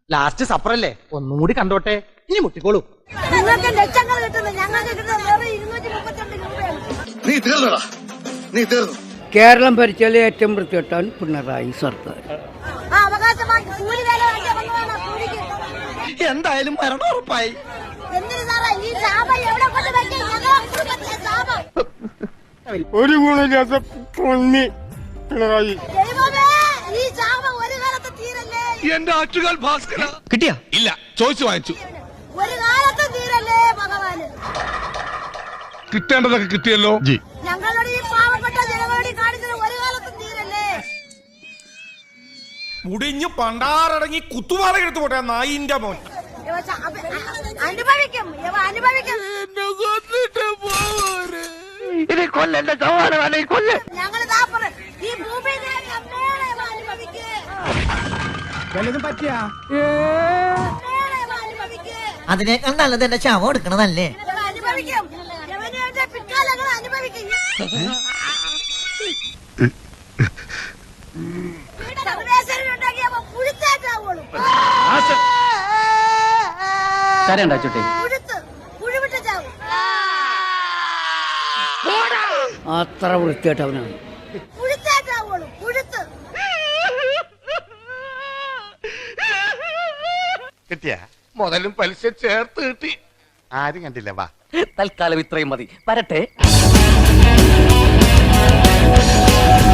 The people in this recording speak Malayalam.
ലാസ്റ്റ് സപ്പറല്ലേ, ഒന്നും കൂടി കണ്ടോട്ടെ, ഇനി മുട്ടിക്കോളൂ. നിങ്ങൾക്ക് ലക്ഷങ്ങൾ കിട്ടുന്നു, ഞങ്ങൾക്ക് കിട്ടുന്നത് വെറും 232 രൂപയാണ്. നീ തീർന്നു. കേരളം ഭരിച്ചാൽ ഏറ്റവും വൃത്തികെട്ടാൻ പിണറായി സർക്കാർ. ആ അവകാശമായി കൂലി വേല വാങ്ങിയാൽ വന്നതാണ് കൂലിക്ക്. എന്തായാലും മരണം ഉറപ്പായി. എന്തിനു സാറേ ഈ ശാപം എവിടെ കൊണ്ട് വെക്കും? ഞങ്ങളെ കുടുംബത്തിലെ ശാപം. ഒരു ഗുണമില്ലാത്ത പൊന്നി പിണറായി. ദൈവമേ, ഈ ശാപം ഒരു കാലത്ത് തീരല്ലേ? എന്റെ ആറ്റുകാൽ ഭാസ്കര. കിട്ടിയാ? ഇല്ല, ചോദിച്ചു വാങ്ങിച്ചു. ഒരു കാലത്ത് തീരല്ലേ ഭഗവാന്? കിട്ടേണ്ടതൊക്കെ കിട്ടിയല്ലോ. ഞങ്ങളോട് ഈ പാവപ്പെട്ട ജനങ്ങളോട് കാണിച്ചത് ഒരു കാലത്തും തീരല്ലേ? മുടിഞ്ഞു പണ്ടാറടങ്ങി കുത്തുപാറ എടുത്തു പോട്ടെ നായിന്റെ മോൻ. അനുഭവിക്കും, അനുഭവിക്കും. ഞങ്ങൾ ഈ ഭൂമിയിൽ അനുഭവിക്കേ. അതിനേക്കാൾ നല്ലത് എന്റെ ശവം എടുക്കണതല്ലേ? അനുഭവിക്കും, പിൽക്കാലങ്ങൾ അനുഭവിക്കും. സർവേശ്വരനുണ്ടാക്കിയപ്പോ പുഴുത്തേറ്റാവുള്ളൂ. പുഴുവിട്ട് ചാവും. അത്ര വൃത്തികെട്ടവനാണ്. പുഴുത്തേറ്റാവുള്ളൂ, പുഴുത്ത്. കിട്ടിയ മുതലും പലിശ ചേർത്ത് കിട്ടി. ആരും കണ്ടില്ല. വാ, തൽക്കാലം ഇത്രയും മതി, വരട്ടെ.